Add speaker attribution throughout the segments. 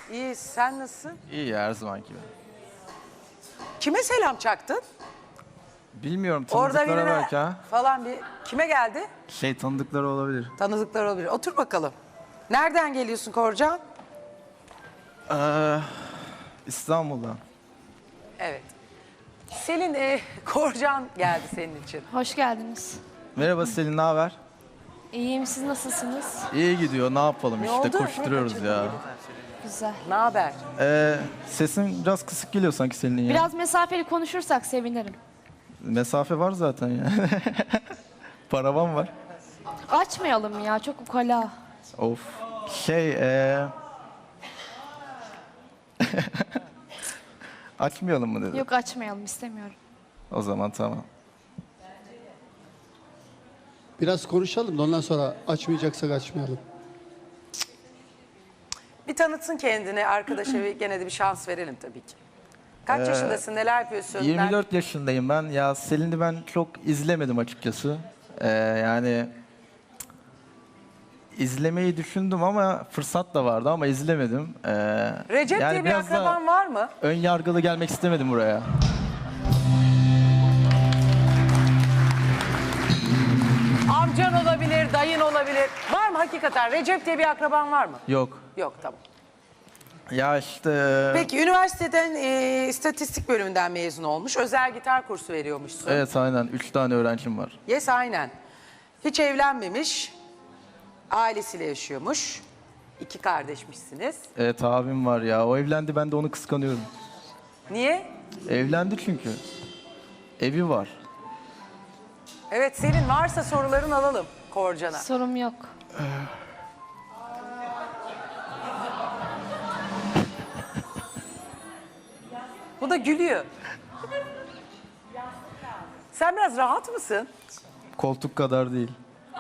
Speaker 1: İyi, sen nasılsın?
Speaker 2: İyi ya, her zaman gibi.
Speaker 1: Kime selam çaktın?
Speaker 2: Bilmiyorum,
Speaker 1: Orada
Speaker 2: tanıdıklara
Speaker 1: birine
Speaker 2: belki ha.
Speaker 1: falan bir... Kime geldi?
Speaker 2: Tanıdıkları olabilir.
Speaker 1: Tanıdıklar olabilir. Otur bakalım. Nereden geliyorsun Korcan?
Speaker 2: İstanbul'dan.
Speaker 1: Evet. Selin, Korcan geldi senin için.
Speaker 3: Hoş geldiniz.
Speaker 2: Merhaba Selin, ne haber?
Speaker 3: İyiyim, siz nasılsınız?
Speaker 2: İyi gidiyor, ne yapalım
Speaker 1: Ne
Speaker 2: işte,
Speaker 1: oldu?
Speaker 2: koşturuyoruz ya.
Speaker 3: Güzel.
Speaker 1: Ne haber?
Speaker 2: Sesin biraz kısık geliyor sanki Selin'in ya.
Speaker 3: Biraz mesafeli konuşursak sevinirim.
Speaker 2: Mesafe var zaten ya. Paravan var.
Speaker 3: Açmayalım ya, çok ukala.
Speaker 2: Of. Açmayalım mı dedi.
Speaker 3: Yok, açmayalım, istemiyorum.
Speaker 2: O zaman tamam.
Speaker 4: Biraz konuşalım da ondan sonra açmayacaksak açmayalım.
Speaker 1: Bir tanıtsın kendini arkadaşa ve gene de bir şans verelim tabii ki. Kaç yaşındasın, neler yapıyorsun?
Speaker 2: 24 yaşındayım ben. Ya Selin'i ben çok izlemedim açıkçası. Yani izlemeyi düşündüm ama fırsat da vardı ama izlemedim.
Speaker 1: Recep
Speaker 2: yani
Speaker 1: diye bir
Speaker 2: biraz da
Speaker 1: akraban var mı?
Speaker 2: ön yargılı gelmek istemedim buraya.
Speaker 1: Amcan olabilir, dayın olabilir. Var mı hakikaten? Recep diye bir akraban var mı?
Speaker 2: Yok.
Speaker 1: Yok, tamam.
Speaker 2: Ya işte...
Speaker 1: Peki üniversiteden istatistik bölümünden mezun olmuş. Özel gitar kursu veriyormuşsun.
Speaker 2: Evet aynen. 3 tane öğrencim var.
Speaker 1: Yes, aynen. Hiç evlenmemiş. Ailesiyle yaşıyormuş. 2 kardeşmişsiniz.
Speaker 2: Evet abim var ya. O evlendi, ben de onu kıskanıyorum.
Speaker 1: Niye?
Speaker 2: Evlendi çünkü. Evi var.
Speaker 1: Evet, senin varsa soruların alalım Korcan'a.
Speaker 3: Sorum yok.
Speaker 1: Bu da gülüyor. Sen biraz rahat mısın?
Speaker 2: Koltuk kadar değil.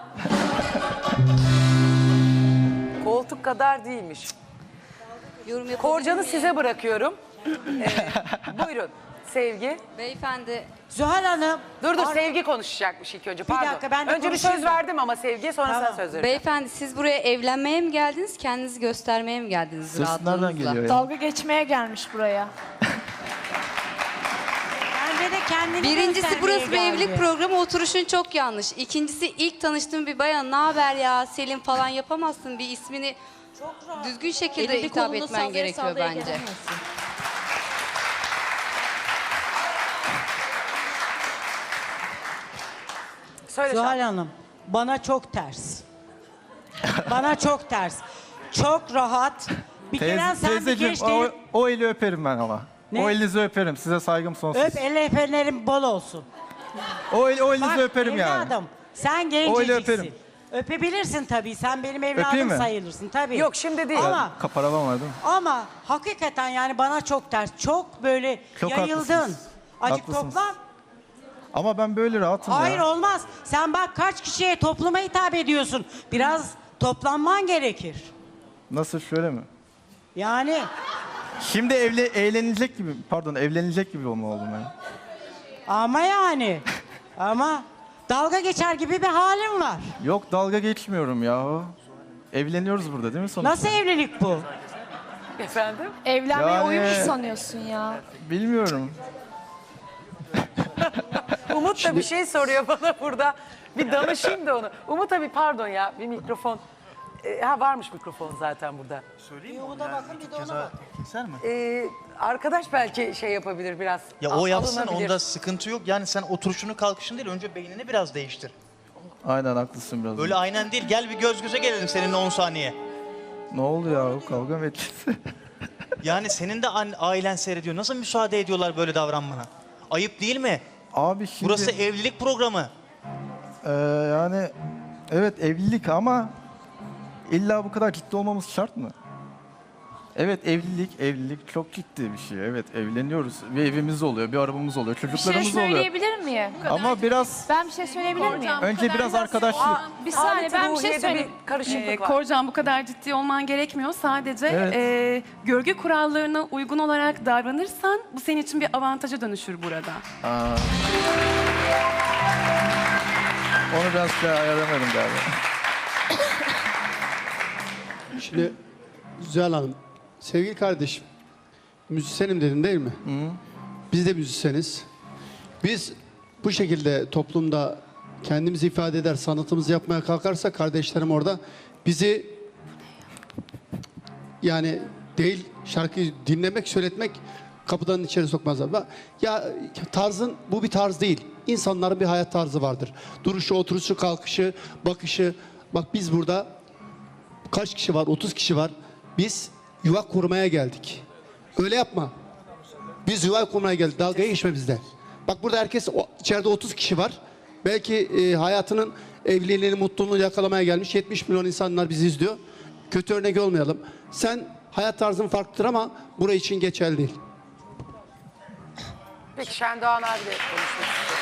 Speaker 1: Koltuk kadar değilmiş. Korcan'ı size bırakıyorum. Buyurun Sevgi.
Speaker 5: Beyefendi,
Speaker 6: Zuhal Hanım.
Speaker 1: Dur Sevgi konuşacakmış ilk önce. Pardon.
Speaker 6: dakika, ben de
Speaker 1: önce bir
Speaker 6: konuşayım
Speaker 1: söz
Speaker 6: da.
Speaker 1: verdim ama Sevgi'ye sonra
Speaker 6: Tamam.
Speaker 1: sana söz vereceğim.
Speaker 5: beyefendi siz buraya evlenmeye mi geldiniz, kendinizi göstermeye mi geldiniz
Speaker 2: Ses nereden
Speaker 5: rahatlığınızla?
Speaker 2: geliyor ya?
Speaker 3: Dalga geçmeye gelmiş buraya.
Speaker 6: Bence de kendini
Speaker 5: Birincisi
Speaker 6: göstermeye
Speaker 5: burası bir
Speaker 6: geldi.
Speaker 5: evlilik programı, oturuşun çok yanlış. İkincisi ilk tanıştığım bir bayan, ne haber ya Selin falan yapamazsın, bir ismini düzgün şekilde
Speaker 3: Elini
Speaker 5: hitap
Speaker 3: kolunu
Speaker 5: etmen
Speaker 3: sallaya
Speaker 5: gerekiyor
Speaker 3: sallaya
Speaker 5: bence.
Speaker 3: gelemezsin.
Speaker 1: Söyle
Speaker 6: Zuhal
Speaker 1: Şahin.
Speaker 6: Hanım, bana çok ters. Bana çok ters. Çok rahat. Bir kere sen bir
Speaker 2: Teyzeciğim,
Speaker 6: gençlerin...
Speaker 2: o eli öperim ben ama.
Speaker 6: Ne?
Speaker 2: O elinizi öperim. Size saygım sonsuz.
Speaker 6: Öp, el efenlerin bol olsun.
Speaker 2: O elinizi
Speaker 6: Bak
Speaker 2: öperim yani.
Speaker 6: evladım, sen
Speaker 2: Öyle
Speaker 6: genceciksin.
Speaker 2: öperim.
Speaker 6: Öpebilirsin tabii, sen benim
Speaker 2: Öpeyim
Speaker 6: evladım
Speaker 2: mi?
Speaker 6: sayılırsın tabii.
Speaker 1: Yok, şimdi değil.
Speaker 6: Ama,
Speaker 2: Kaparavan var değil mi?
Speaker 6: ama hakikaten yani bana çok ters. Çok böyle
Speaker 2: Çok
Speaker 6: yayıldın.
Speaker 2: haklısınız.
Speaker 6: Acık
Speaker 2: Haklısınız.
Speaker 6: toplan.
Speaker 2: Ama ben böyle rahatım
Speaker 6: Hayır
Speaker 2: ya.
Speaker 6: olmaz. Sen bak kaç kişiye topluma hitap ediyorsun. Biraz toplanman gerekir.
Speaker 2: Nasıl, şöyle mi?
Speaker 6: Yani
Speaker 2: Şimdi evlenecek gibi olma oldum ben.
Speaker 6: ama yani ama dalga geçer gibi bir halim var.
Speaker 2: Yok, dalga geçmiyorum ya. Evleniyoruz burada değil mi sonuçta?
Speaker 6: Nasıl evlilik bu?
Speaker 1: Efendim?
Speaker 3: Evlenmeye
Speaker 2: Yani-
Speaker 3: uyumuş sanıyorsun ya.
Speaker 2: Bilmiyorum.
Speaker 1: Umut da bir şey soruyor bana burada. Bir danışayım da onu. Umut abi pardon ya, bir mikrofon. Varmış mikrofon zaten burada.
Speaker 7: Keser mi?
Speaker 1: Arkadaş belki şey yapabilir biraz.
Speaker 7: Ya o yapsın,
Speaker 1: alınabilir.
Speaker 7: onda sıkıntı yok. Yani sen oturuşunu kalkışını değil, önce beynini biraz değiştir.
Speaker 2: Aynen, haklısın biraz.
Speaker 7: Böyle aynen değil, gel bir göz göze gelelim seninle 10 saniye.
Speaker 2: Ne oldu ya? Kavga mı edeceğiz?
Speaker 7: Yani senin de ailen seyrediyor. Nasıl müsaade ediyorlar böyle davranmana? Ayıp değil mi?
Speaker 2: Abi şimdi...
Speaker 7: Burası evlilik programı.
Speaker 2: Yani evet, evlilik ama illa bu kadar ciddi olmamız şart mı? Evet, evlilik çok ciddi bir şey. Evet, evleniyoruz. Bir evimiz oluyor, bir arabamız oluyor,
Speaker 3: Bir şey
Speaker 2: çocuklarımız oluyor.
Speaker 3: söyleyebilir miyim?
Speaker 2: Ama biraz
Speaker 3: Ben bir şey söyleyebilir miyim?
Speaker 2: önce biraz arkadaşlık.
Speaker 3: Bir saniye, ben bir şey
Speaker 1: Ruhiye'de
Speaker 3: söyleyeyim.
Speaker 1: bir karışıklık var.
Speaker 8: Korcan, bu kadar ciddi olman gerekmiyor. Sadece
Speaker 2: Evet.
Speaker 8: görgü kurallarına uygun olarak davranırsan bu senin için bir avantaja dönüşür burada.
Speaker 2: Onu biraz ayarlamadım galiba.
Speaker 4: Şimdi Zuhal Hanım, Sevgili kardeşim, müzisyenim dedin değil mi? Biz de müzisyeniz. Biz bu şekilde toplumda kendimizi ifade eder, sanatımızı yapmaya kalkarsak kardeşlerim orada bizi yani değil şarkıyı dinlemek, söyletmek kapıdan içeri sokmazlar. Ya tarzın bu bir tarz değil. İnsanların bir hayat tarzı vardır. Duruşu, oturuşu, kalkışı, bakışı. Bak biz burada kaç kişi var? 30 kişi var. Biz yuva kurmaya geldik. Öyle yapma. Biz yuva kurmaya geldik. Dalgaya geçme bizde. Bak burada herkes içeride 30 kişi var. Belki hayatının evliliğini, mutluluğunu yakalamaya gelmiş 70 milyon insanlar bizi izliyor. Kötü örnek olmayalım. Sen hayat tarzın farklıdır ama buraya için geçerli değil.
Speaker 1: Peki Şendoğan abi de konuşmak istiyor.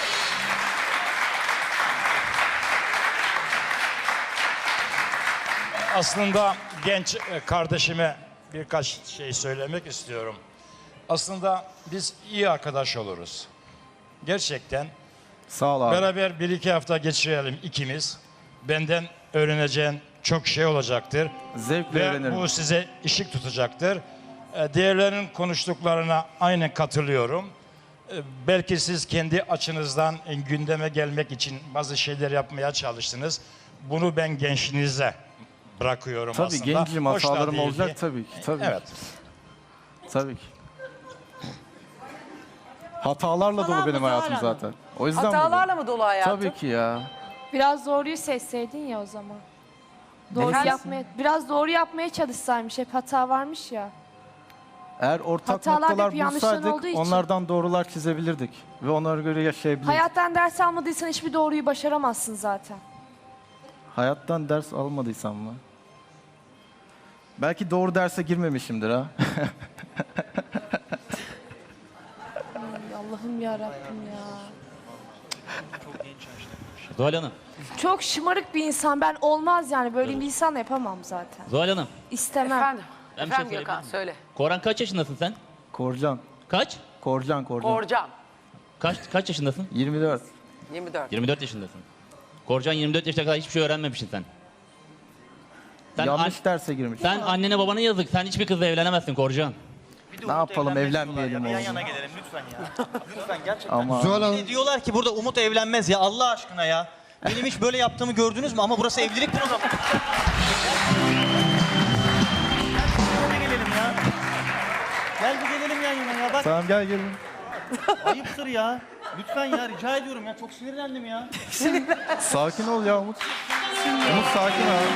Speaker 9: Aslında genç kardeşime birkaç şey söylemek istiyorum. Aslında biz iyi arkadaş oluruz. Gerçekten
Speaker 2: Sağ ol abi.
Speaker 9: beraber bir iki hafta geçirelim ikimiz. Benden öğreneceğin çok şey olacaktır.
Speaker 2: Zevkle
Speaker 9: Ve
Speaker 2: öğrenirim.
Speaker 9: bu size ışık tutacaktır. Diğerlerinin konuştuklarına aynen katılıyorum. Belki siz kendi açınızdan gündeme gelmek için bazı şeyler yapmaya çalıştınız. Bunu ben gençliğinize bırakıyorum
Speaker 2: Tabii
Speaker 9: aslında.
Speaker 2: gencim,
Speaker 9: Hoş da
Speaker 2: hatalarım
Speaker 9: değil
Speaker 2: olacak
Speaker 9: ki.
Speaker 2: tabii ki. Tabii.
Speaker 9: Evet.
Speaker 2: Tabii ki. Hatalarla
Speaker 6: Falan
Speaker 2: dolu benim
Speaker 6: mı,
Speaker 2: hayatım
Speaker 6: Zuhal Hanım?
Speaker 2: zaten. O yüzden
Speaker 1: Hatalarla mı dolu hayatın?
Speaker 2: Tabii ki ya.
Speaker 3: Biraz doğruyu seçseydin ya o zaman. Doğru
Speaker 1: Efendim?
Speaker 3: biraz doğru yapmaya çalışsaymış. Hep hata varmış ya.
Speaker 2: Eğer ortak
Speaker 3: Hatalar hep
Speaker 2: noktalar
Speaker 3: yanlışların
Speaker 2: bulsaydık
Speaker 3: olduğu için.
Speaker 2: onlardan doğrular çizebilirdik. Ve onlara göre yaşayabilirdik.
Speaker 3: Hayattan ders almadıysan hiçbir doğruyu başaramazsın zaten.
Speaker 2: Hayattan ders almadıysam mı? Belki doğru derse girmemişimdir ha.
Speaker 3: Allah'ım ya Rabbim ya.
Speaker 10: Zuhal Hanım,
Speaker 3: Çok şımarık bir insan. Ben olmaz yani. Böyle bir insanla yapamam zaten.
Speaker 10: Zuhal Hanım.
Speaker 3: İstemem.
Speaker 1: Efendim,
Speaker 10: Ben bir şey
Speaker 1: efendim
Speaker 10: söyleyebilir
Speaker 1: Gökhan
Speaker 10: miyim?
Speaker 1: söyle.
Speaker 10: Koran kaç yaşındasın sen?
Speaker 2: Korcan.
Speaker 10: Kaç?
Speaker 2: Korcan.
Speaker 1: Korcan,
Speaker 10: Kaç yaşındasın?
Speaker 2: 24.
Speaker 1: 24.
Speaker 10: 24 yaşındasın. Korcan 24 yaşına kadar hiçbir şey öğrenmemişsin sen.
Speaker 2: Yanlış derse girmiş.
Speaker 10: Sen annene babana yazık. Sen hiçbir kızla evlenemezsin Korcan.
Speaker 7: Bir de
Speaker 2: Ne
Speaker 7: Umut
Speaker 2: yapalım,
Speaker 7: evlenmez
Speaker 2: evlenmeyelim
Speaker 7: diyorlar ya. Bir yan
Speaker 2: oğlum.
Speaker 7: yana gelelim lütfen ya. Lütfen gerçekten.
Speaker 2: Ama
Speaker 4: Zuhal
Speaker 7: Bir
Speaker 4: Hanım,
Speaker 7: de diyorlar ki burada Umut evlenmez ya Allah aşkına ya. Benim hiç böyle yaptığımı gördünüz mü? Ama burası evlilik programı. Gel bir gelelim ya. Gel bir gelelim yan yana ya. Bak
Speaker 2: tamam gel gelin.
Speaker 7: ayıptır ya. Lütfen ya rica ediyorum ya. Çok sinirlendim ya.
Speaker 2: Sakin ol ya Umut. Umut sakin ol.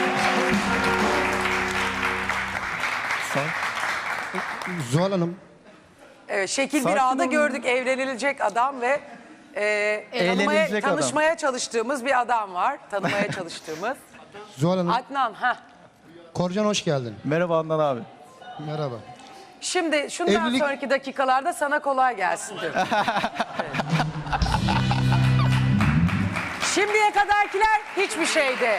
Speaker 4: Zuhal Hanım,
Speaker 1: Evet, şekil
Speaker 2: Sakin
Speaker 1: bir ağda
Speaker 2: olun.
Speaker 1: gördük evlenilecek adam ve
Speaker 2: Eğlenilecek adam.
Speaker 1: tanışmaya çalıştığımız bir adam var. Tanımaya çalıştığımız.
Speaker 4: Zuhal Hanım,
Speaker 1: Adnan,
Speaker 4: Korcan hoş geldin.
Speaker 2: Merhaba Adnan abi.
Speaker 4: Merhaba.
Speaker 1: Şimdi şundan
Speaker 4: Evlilik-
Speaker 1: sonraki dakikalarda sana kolay gelsin diyorum. Evet. Şimdiye kadarkiler hiçbir şeydi.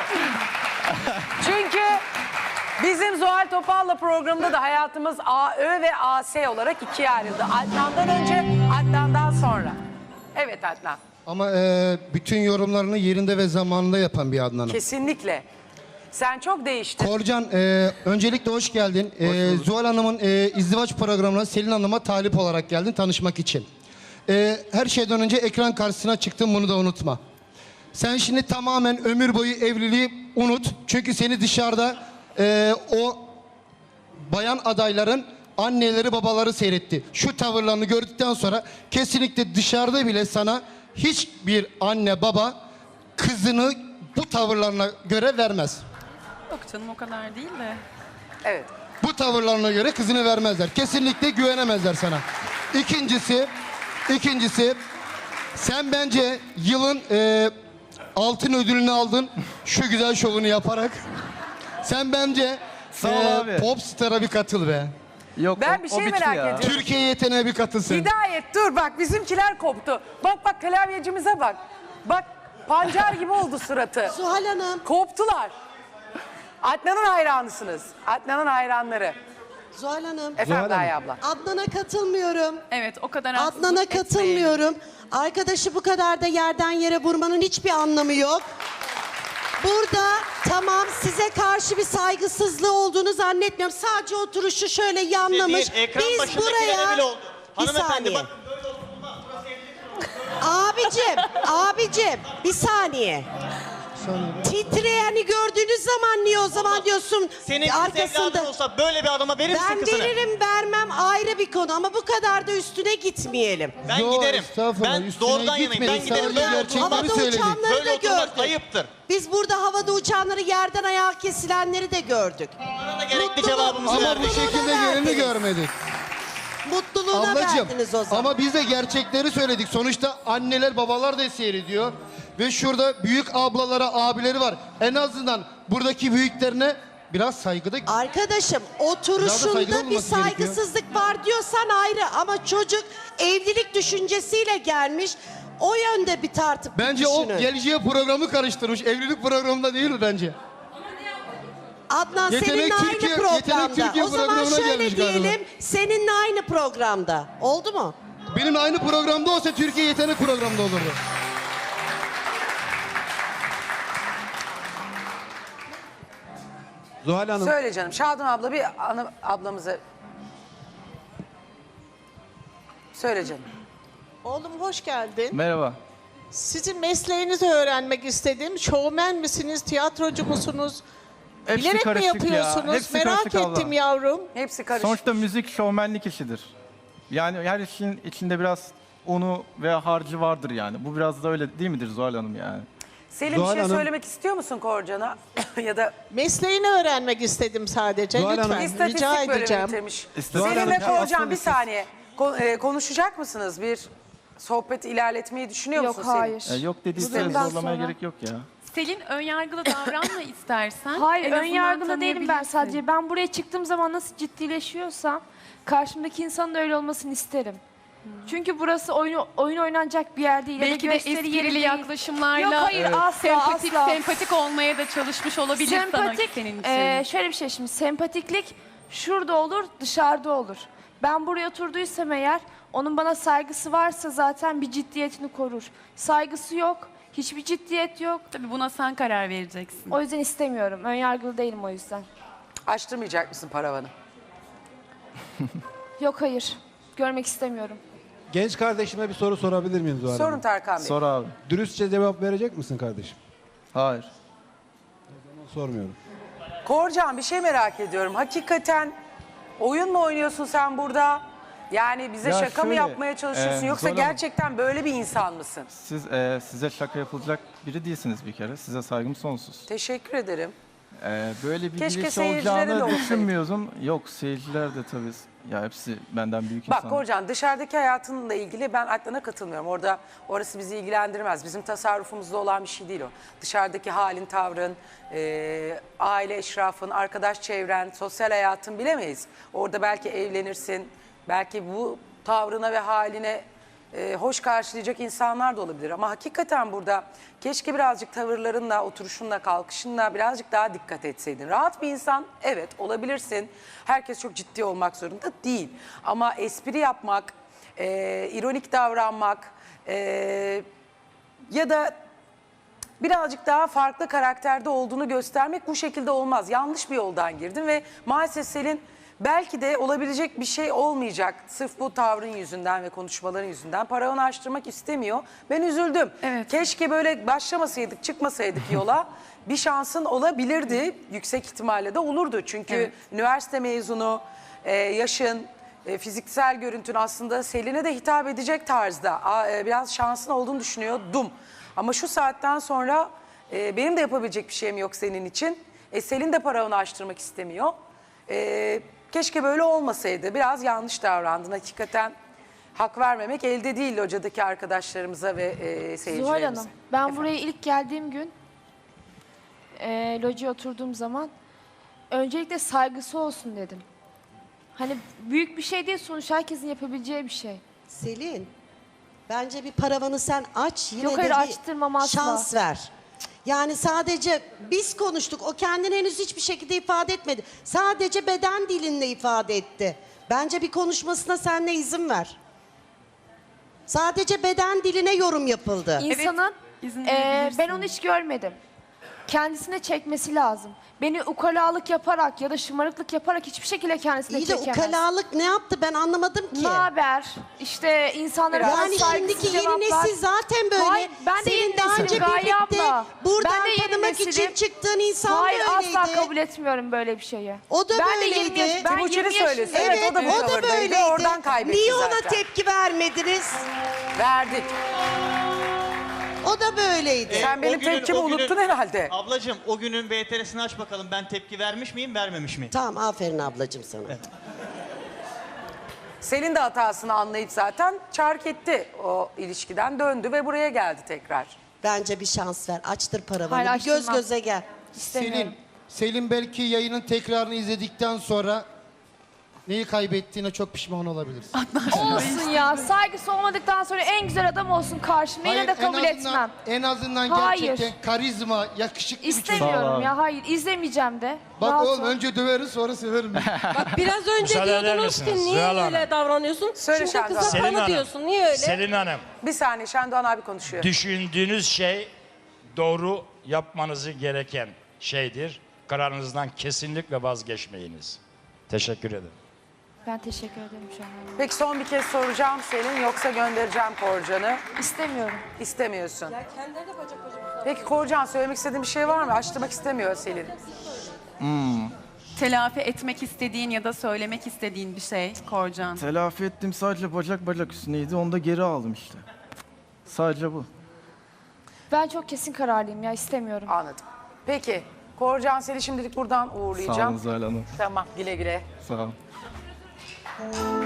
Speaker 1: Çünkü bizim Zuhal Topal'la programda da hayatımız AÖ ve AS olarak ikiye ayrıldı. Adnan'dan önce, Adnan'dan sonra. Evet Adnan,
Speaker 4: Ama bütün yorumlarını yerinde ve zamanında yapan bir Adnan'ım.
Speaker 1: kesinlikle. Sen çok değiştin.
Speaker 4: Korcan, öncelikle hoş geldin. Zuhal Hanım'ın izdivaç programına Selin Hanım'a talip olarak geldin tanışmak için. Her şeyden önce ekran karşısına çıktın, bunu da unutma. Sen şimdi tamamen ömür boyu evliliği unut. Çünkü seni dışarıda o bayan adayların anneleri babaları seyretti. Şu tavırlarını gördükten sonra kesinlikle dışarıda bile sana hiçbir anne baba kızını bu tavırlarına göre vermez.
Speaker 8: Yok canım o kadar değil de.
Speaker 1: Evet.
Speaker 4: Bu tavırlarına göre kızını vermezler. Kesinlikle güvenemezler sana. İkincisi sen bence yılın altın ödülünü aldın şu güzel şovunu yaparak. Sen bence
Speaker 2: Sağ ol abi.
Speaker 4: Popstar'a bir katıl be.
Speaker 2: Yok
Speaker 1: Ben
Speaker 2: o-
Speaker 1: bir
Speaker 2: o
Speaker 1: şey
Speaker 2: bitti
Speaker 1: merak
Speaker 2: ya.
Speaker 1: ediyorum.
Speaker 4: Türkiye yeteneğe bir katılsın.
Speaker 1: Hidayet dur bak bizimkiler koptu. Bak klavyecimize bak. Bak pancar gibi oldu suratı.
Speaker 11: Zuhal Hanım,
Speaker 1: Koptular. Adnan'ın hayranısınız. Adnan'ın hayranları.
Speaker 11: Zuhal Hanım.
Speaker 1: Efendim Gaye abla.
Speaker 11: Adnan'a katılmıyorum.
Speaker 8: Evet o kadar
Speaker 11: Adnan'a
Speaker 8: haksızlık etmeyin.
Speaker 11: katılmıyorum. Arkadaşı bu kadar da yerden yere vurmanın hiçbir anlamı yok. Burada tamam size karşı bir saygısızlığı olduğunu zannetmiyorum. Sadece oturuşu şöyle yanlamış.
Speaker 7: Değil, ekran
Speaker 11: Biz
Speaker 7: başındakilere
Speaker 11: buraya...
Speaker 7: bile oldu.
Speaker 11: Bir
Speaker 7: Hanımefendi
Speaker 11: saniye.
Speaker 7: bak böyle oturma. Burası evlilik mi?
Speaker 11: Abicim bir saniye. Titreyeni gördüğünüz zaman niye o zaman diyorsun
Speaker 7: Senin kız evladın olsa böyle bir adama verir misin
Speaker 11: Ben
Speaker 7: kızını?
Speaker 11: veririm vermem ayrı bir konu ama bu kadar da üstüne gitmeyelim.
Speaker 7: Ben
Speaker 12: Yo,
Speaker 7: giderim.
Speaker 12: estağfurullah,
Speaker 7: Ben
Speaker 12: üstüne
Speaker 7: doğrudan yanayım. Ben
Speaker 12: gitmedik.
Speaker 7: giderim.
Speaker 12: Sadece
Speaker 7: Böyle
Speaker 12: gerçekleri
Speaker 7: oturmak,
Speaker 11: Havada
Speaker 12: söyledik.
Speaker 11: uçanları
Speaker 7: böyle
Speaker 11: da
Speaker 7: oturmak
Speaker 11: gördük.
Speaker 7: ayıptır.
Speaker 11: Biz burada havada uçanları yerden ayağa kesilenleri de gördük.
Speaker 7: Bana da gerekli
Speaker 11: Mutluluğu-
Speaker 7: cevabımızı
Speaker 12: Ama bu
Speaker 7: verdik.
Speaker 12: şekilde
Speaker 11: verdiniz.
Speaker 12: geleni görmedik.
Speaker 11: Mutluluğuna
Speaker 12: Ablacığım
Speaker 11: verdiniz o zaman.
Speaker 12: ama biz de gerçekleri söyledik. Sonuçta anneler babalar da seyrediyor. Ve şurada büyük ablalara abileri var. En azından buradaki büyüklerine biraz saygıda...
Speaker 11: Arkadaşım
Speaker 12: Biraz da
Speaker 11: oturuşunda
Speaker 12: saygılı
Speaker 11: bir
Speaker 12: olması gerekiyor.
Speaker 11: saygısızlık var diyorsan ayrı ama çocuk evlilik düşüncesiyle gelmiş. O yönde bir tartıp
Speaker 12: Bence
Speaker 11: düşünün.
Speaker 12: o geleceğe programı karıştırmış. Evlilik programında değil bence.
Speaker 11: Adnan
Speaker 12: Yetenek
Speaker 11: seninle
Speaker 12: Türkiye-
Speaker 11: aynı
Speaker 12: Yetenek
Speaker 11: programda.
Speaker 12: Türkiye
Speaker 11: O zaman
Speaker 12: programına
Speaker 11: şöyle
Speaker 12: gelmiş galiba.
Speaker 11: diyelim seninle aynı programda. Oldu mu?
Speaker 12: Benim aynı programda olsa Türkiye Yetenek programında olurdu.
Speaker 13: Zuhal Hanım,
Speaker 1: Söyle canım. Şadan abla bir ablamıza... Söyle canım.
Speaker 14: Oğlum hoş geldin.
Speaker 2: Merhaba.
Speaker 14: Sizin mesleğinizi öğrenmek istedim. Şovmen misiniz, tiyatrocu musunuz?
Speaker 2: Hepsi
Speaker 14: Bilerek mi
Speaker 2: karışık ya.
Speaker 14: yapıyorsunuz?
Speaker 2: Hepsi
Speaker 14: Merak
Speaker 2: karışık abla.
Speaker 14: ettim yavrum.
Speaker 1: Hepsi karışık.
Speaker 2: Sonuçta müzik şovmenlik işidir. Yani her işin içinde biraz unu veya harcı vardır yani. Bu biraz da öyle değil midir Zuhal Hanım yani?
Speaker 1: Selim
Speaker 13: Zuhal
Speaker 1: bir şey
Speaker 13: Hanım-
Speaker 1: söylemek istiyor musun Korcan'a? Ya da
Speaker 14: Mesleğini öğrenmek istedim sadece.
Speaker 13: Zuhal
Speaker 14: Lütfen
Speaker 13: Hanım-
Speaker 14: rica
Speaker 1: istatistik bölümü
Speaker 14: edeceğim.
Speaker 1: bitirmiş.
Speaker 2: İstatistik
Speaker 1: Selim ve
Speaker 2: bölümü-
Speaker 1: Korcan bir
Speaker 2: aslında
Speaker 1: saniye. Konuşacak mısınız? Bir sohbet ilerletmeyi düşünüyor
Speaker 3: Yok
Speaker 1: musun Selim?
Speaker 3: hayır.
Speaker 2: Yok dediyse
Speaker 3: Bundan
Speaker 2: zorlamaya
Speaker 3: sonra-
Speaker 2: gerek yok ya.
Speaker 8: Selin önyargılı davranma istersen.
Speaker 3: Hayır
Speaker 8: En
Speaker 3: ön
Speaker 8: azından
Speaker 3: yargılı değilim ben
Speaker 8: tanıyabilirsin.
Speaker 3: sadece. Ben buraya çıktığım zaman nasıl ciddileşiyorsam karşımdaki insanın da öyle olmasını isterim. Çünkü burası oyun oynanacak bir yer değil. ya da
Speaker 8: Belki de
Speaker 3: gösteri yeri
Speaker 8: esprili
Speaker 3: değil.
Speaker 8: yaklaşımlarla
Speaker 3: Yok, hayır, asla,
Speaker 8: sempatik,
Speaker 3: asla.
Speaker 8: sempatik olmaya da çalışmış olabilir sana senin için.
Speaker 3: Şöyle bir şey şimdi sempatiklik şurada olur dışarıda olur. Ben buraya oturduysam eğer onun bana saygısı varsa zaten bir ciddiyetini korur. Saygısı yok, hiçbir ciddiyet yok.
Speaker 8: Tabii buna sen karar vereceksin.
Speaker 3: O yüzden istemiyorum. Önyargılı değilim o yüzden.
Speaker 1: Açtırmayacak mısın paravanı?
Speaker 3: Yok hayır. Görmek istemiyorum.
Speaker 13: genç kardeşime bir soru sorabilir miyim Zuhal
Speaker 1: Sorun
Speaker 13: Hanım?
Speaker 1: Tarkan Bey.
Speaker 2: Sor abi.
Speaker 13: Dürüstçe cevap verecek misin kardeşim?
Speaker 2: Hayır.
Speaker 13: Sormuyorum.
Speaker 1: Korcan bir şey merak ediyorum. Hakikaten oyun mu oynuyorsun sen burada? Yani bize
Speaker 2: Ya
Speaker 1: şaka mı
Speaker 2: şöyle,
Speaker 1: yapmaya çalışıyorsun yoksa
Speaker 2: Zuhal Hanım-
Speaker 1: gerçekten böyle bir insan mısın?
Speaker 2: Siz size şaka yapılacak biri değilsiniz bir kere. Size saygım sonsuz.
Speaker 1: Teşekkür ederim.
Speaker 2: Böyle bir
Speaker 1: Keşke
Speaker 2: giriş
Speaker 1: seyircilere de
Speaker 2: olacağını
Speaker 1: olsaydı.
Speaker 2: düşünmüyordum. Yok seyirciler de tabii. Ya hepsi benden büyük
Speaker 1: Bak
Speaker 2: insan.
Speaker 1: Korcan dışarıdaki hayatınla ilgili ben Adnan'a katılmıyorum. Orası bizi ilgilendirmez. Bizim tasarrufumuzda olan bir şey değil o. Dışarıdaki halin, tavrın, aile eşrafın, arkadaş çevren, sosyal hayatın bilemeyiz. Orada belki evlenirsin, belki bu tavrına ve haline hoş karşılayacak insanlar da olabilir. Ama hakikaten burada keşke birazcık tavırlarınla, oturuşunla, kalkışınla birazcık daha dikkat etseydin. Rahat bir insan evet olabilirsin. Herkes çok ciddi olmak zorunda değil. Ama espri yapmak, ironik davranmak ya da birazcık daha farklı karakterde olduğunu göstermek bu şekilde olmaz. Yanlış bir yoldan girdin ve maalesef Selin belki de olabilecek bir şey olmayacak. Sırf bu tavrın yüzünden ve konuşmaların yüzünden paravanı açtırmak istemiyor. Ben üzüldüm.
Speaker 8: Evet.
Speaker 1: Keşke böyle başlamasaydık, çıkmasaydık yola. Bir şansın olabilirdi. Yüksek ihtimalle de olurdu. Çünkü
Speaker 8: Evet.
Speaker 1: üniversite mezunu, yaşın, fiziksel görüntün aslında Selin'e de hitap edecek tarzda. Biraz şansın olduğunu düşünüyordum. Ama şu saatten sonra benim de yapabilecek bir şeyim yok senin için. Selin de paravanı açtırmak istemiyor. Keşke böyle olmasaydı. Biraz yanlış davrandın. Hakikaten hak vermemek elde değil locadaki arkadaşlarımıza ve seyircilerimize.
Speaker 3: Zuhal Hanım, ben
Speaker 1: Efendim?
Speaker 3: buraya ilk geldiğim gün locaya oturduğum zaman öncelikle saygısı olsun dedim. Hani büyük bir şey değil sonuç herkesin yapabileceği bir şey.
Speaker 11: Selin, bence bir paravanı sen aç yine
Speaker 3: Yok,
Speaker 11: de
Speaker 3: hayır,
Speaker 11: bir
Speaker 3: açtırmam asla.
Speaker 11: şans ver. Yani sadece biz konuştuk. O kendini henüz hiçbir şekilde ifade etmedi. Sadece beden dilinle ifade etti. Bence bir konuşmasına sen de izin ver. Sadece beden diline yorum yapıldı.
Speaker 3: İnsanın
Speaker 8: izin
Speaker 3: ben
Speaker 8: verebilirsin.
Speaker 3: onu hiç görmedim. kendisine çekmesi lazım. Beni ukalalık yaparak ya da şımarıklık yaparak hiçbir şekilde kendisine
Speaker 11: İyi de
Speaker 3: çekemez.
Speaker 11: ukalalık ne yaptı ben anlamadım ki.
Speaker 3: Ne haber? İşte insanlara
Speaker 11: Yani
Speaker 3: bana saygısız
Speaker 11: şimdiki yeni
Speaker 3: cevaplar.
Speaker 11: nesil zaten böyle.
Speaker 3: Hayır, ben de
Speaker 11: Senin
Speaker 3: yeni
Speaker 11: daha
Speaker 3: nesilim
Speaker 11: önce
Speaker 3: Gaye
Speaker 11: birlikte
Speaker 3: abla.
Speaker 11: buradan
Speaker 3: Ben de yeni
Speaker 11: tanımak için
Speaker 3: nesilim.
Speaker 11: çıktığın insan
Speaker 3: Hayır,
Speaker 11: da öyleydi.
Speaker 3: asla kabul etmiyorum böyle bir şeyi.
Speaker 11: O da
Speaker 3: ben
Speaker 11: böyleydi.
Speaker 3: De 20 yaş, ben
Speaker 1: Timuçin'i
Speaker 3: 20
Speaker 1: söylesin.
Speaker 3: yaşındayım.
Speaker 1: Evet, o da bu
Speaker 11: o da
Speaker 1: tavırdaydı.
Speaker 11: böyleydi.
Speaker 1: Oradan kaybetti
Speaker 11: Niye ona
Speaker 1: zaten.
Speaker 11: tepki vermediniz?
Speaker 1: Verdik.
Speaker 11: O da böyleydi.
Speaker 1: Sen benim tepkimi unuttun herhalde.
Speaker 7: Ablacığım o günün VTR'sini aç bakalım. Ben tepki vermiş miyim, vermemiş miyim?
Speaker 11: Tamam aferin ablacığım sana.
Speaker 1: Selin de hatasını anlayıp zaten çark etti o ilişkiden, döndü ve buraya geldi tekrar.
Speaker 11: Bence bir şans ver. Açtır paravanı.
Speaker 3: Hayır,
Speaker 11: Bir göz
Speaker 3: açtırmam.
Speaker 11: göze gel.
Speaker 3: İstemiyorum.
Speaker 12: Selin belki yayının tekrarını izledikten sonra neyi kaybettiğine çok pişman olabilirsin.
Speaker 3: Olsun ya. Saygısı olmadıktan sonra en güzel adam olsun karşımda. Yine
Speaker 12: Hayır,
Speaker 3: de kabul
Speaker 12: en azından-
Speaker 3: etmem.
Speaker 12: En azından
Speaker 3: Hayır.
Speaker 12: gerçekten karizma, yakışıklı bir çocuk.
Speaker 3: İstemiyorum ya. Hayır, izlemeyeceğim de.
Speaker 12: Bak
Speaker 3: Rahat
Speaker 12: oğlum
Speaker 3: ol.
Speaker 12: önce döveriz sonra severim.
Speaker 15: Biraz önce
Speaker 9: Müsaade eder
Speaker 15: diyordunuz ki
Speaker 9: misiniz?
Speaker 15: niye
Speaker 9: Zuhal Hanım.
Speaker 15: öyle davranıyorsun?
Speaker 1: Söyle
Speaker 15: Şimdi
Speaker 1: Şendoğan.
Speaker 15: kıza
Speaker 9: Selin
Speaker 15: kanı
Speaker 9: Hanım.
Speaker 15: diyorsun. Niye öyle?
Speaker 9: Selin Hanım,
Speaker 1: Bir saniye, Şendoğan abi konuşuyor.
Speaker 9: düşündüğünüz şey doğru yapmanızı gereken şeydir. Kararınızdan kesinlikle vazgeçmeyiniz. Teşekkür ederim.
Speaker 3: Ben teşekkür ederim şu an.
Speaker 1: Peki son bir kez soracağım Selin, yoksa göndereceğim Korcan'ı.
Speaker 3: İstemiyorum.
Speaker 1: İstemiyorsun.
Speaker 15: Kendileri de bacak bacak.
Speaker 1: Peki Korcan, söylemek istediğin bir şey var mı? Açtırmak istemiyor Selin.
Speaker 8: Telafi etmek istediğin ya da söylemek istediğin bir şey Korcan.
Speaker 2: Telafi ettim, sadece bacak üstüneydi. Onu da geri aldım işte. Sadece bu.
Speaker 3: Ben çok kesin kararlıyım ya. İstemiyorum.
Speaker 1: Anladım. Peki Korcan, seni şimdilik buradan
Speaker 2: Sağ
Speaker 1: uğurlayacağım.
Speaker 2: olun Zuhal Hanım.
Speaker 1: Tamam, güle güle.
Speaker 2: Sağ olun.